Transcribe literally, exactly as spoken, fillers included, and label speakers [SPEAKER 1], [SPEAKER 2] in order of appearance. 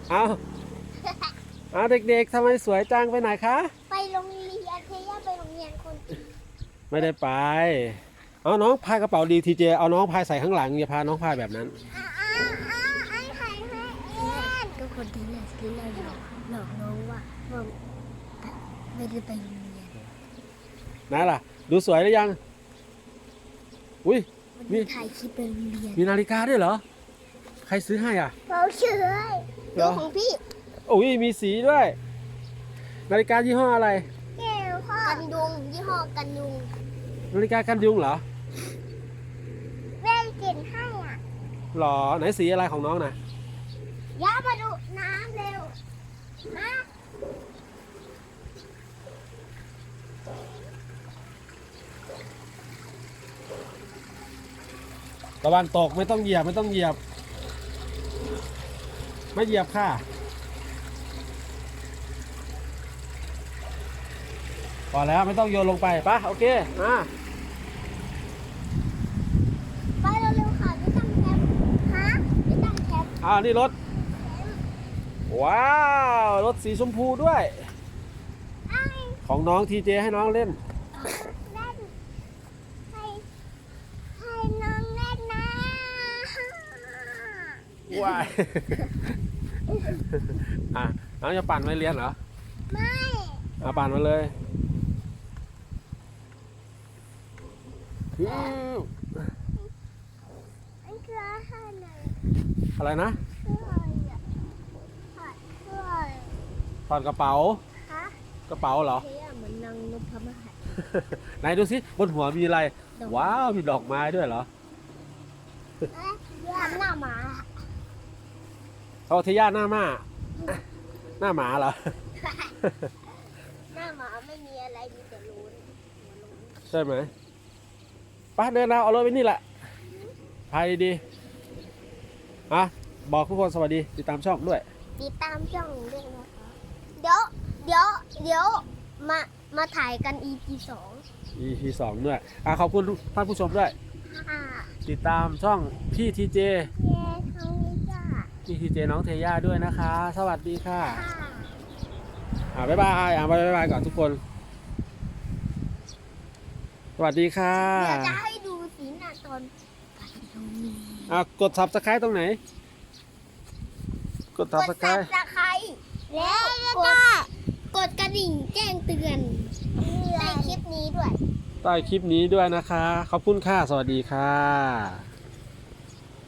[SPEAKER 1] เอาเอาเด็กๆทำไมสวยจังไปไหนคะ
[SPEAKER 2] ไปโรงเรียนเทย่าไปโรงเรียนคน
[SPEAKER 1] ไม่ได้ไปเอาน้องพายกระเป๋าดีทีเจเอาน้องพายใส่ข้างหลังอย่าพาน้องพายแบบนั้น
[SPEAKER 2] อ้าอ้าอ้าไอ้ไข่ให้เองก็คนที่เล่นที่เล่นหลอกหลอกน้องว่าว่าไม่ได้ไปโรงเรียน
[SPEAKER 1] นั่นล่ะดูสวยหรือยังอุ้ย
[SPEAKER 2] มีถ่ายคลิปไปโรงเรียน
[SPEAKER 1] มีนาฬิกาด้วยเหรอใครซื้อให้อ่ะ
[SPEAKER 2] เราเชื่อดูของพี่
[SPEAKER 1] โอ้ยมีสีด้วยนาฬิกายี่ห้ออะไร
[SPEAKER 2] แก้วพ่อกันยุงยี่ห้อกันยุง
[SPEAKER 1] นาฬิกากันยุงเหรอ
[SPEAKER 2] แม่เก็บให้อ่ะ
[SPEAKER 1] หรอไหนสีอะไรของน้องนะ
[SPEAKER 2] ย่ามาดูน้ำเร็วมา
[SPEAKER 1] ตะวันตกไม่ต้องเหยียบไม่ต้องเหยียบไม่เหยียบค่ะพอแล้วไม่ต้องโยนลงไปปะโอเคมา
[SPEAKER 2] ไปเร็วๆค่ะไม่ต้องแคปฮะไม่ต้องแคป
[SPEAKER 1] อ่านี่รถว้าวรถสีชมพูด้วยของน้องทีเจให้น้องเล่น
[SPEAKER 2] เล่นให้ให้น้องเล่นนะ
[SPEAKER 1] ว้ายอ่ะน้องจะปั่นไม่เรียนเหรอ
[SPEAKER 2] ไม่
[SPEAKER 1] เอาปั่นมาเลย
[SPEAKER 2] อันคืออะไร
[SPEAKER 1] อะไรนะถอดกระเป๋า กระเป๋าเหรอ
[SPEAKER 2] เหมือนนางนพมาศ
[SPEAKER 1] ไหนดูสิบนหัวมีอะไรว้าวมีดอกไม้ด้วยเหรอ
[SPEAKER 2] ทำหน้าหมา
[SPEAKER 1] เขาเทย่าหน้าม้าหน้าหมาเหรอ
[SPEAKER 2] หน้าหมาไม่มีอะไรมีแต่รูน
[SPEAKER 1] ใช่ไหมป้าเดินเอาเอารถไปนี่แหละพายดีอ่ะบอกทุกคนสวัสดีติดตามช่องด้วย
[SPEAKER 2] ติดตามช่องด้วยนะคะเดี๋ยวเดี๋ยวเดี๋ยวมามาถ่ายกัน อี พี สอง
[SPEAKER 1] อี พี สองด้วยอ่ะขอบคุณท่านผู้ชมด้วยติดตามช่องพี่ทีเจพี่ทีเจน้องเทย่าด้วยนะคะสวัสดีค่ะอ่าบ๊ายบายอ่าบ๊ายบายก่อนทุกคนสวัสดีค่ะ
[SPEAKER 2] เดี๋ยวจะให้ดูสีหน้าตอน
[SPEAKER 1] อ่ากดซับสไครต์ตรงไหนกดซับสไครต์
[SPEAKER 2] แล้วก็กดกระดิ่งแจ้งเตือนในคลิปนี้ด้วย
[SPEAKER 1] ใต้คลิปนี้ด้วยนะคะขอบคุณค่ะสวัสดีค่ะ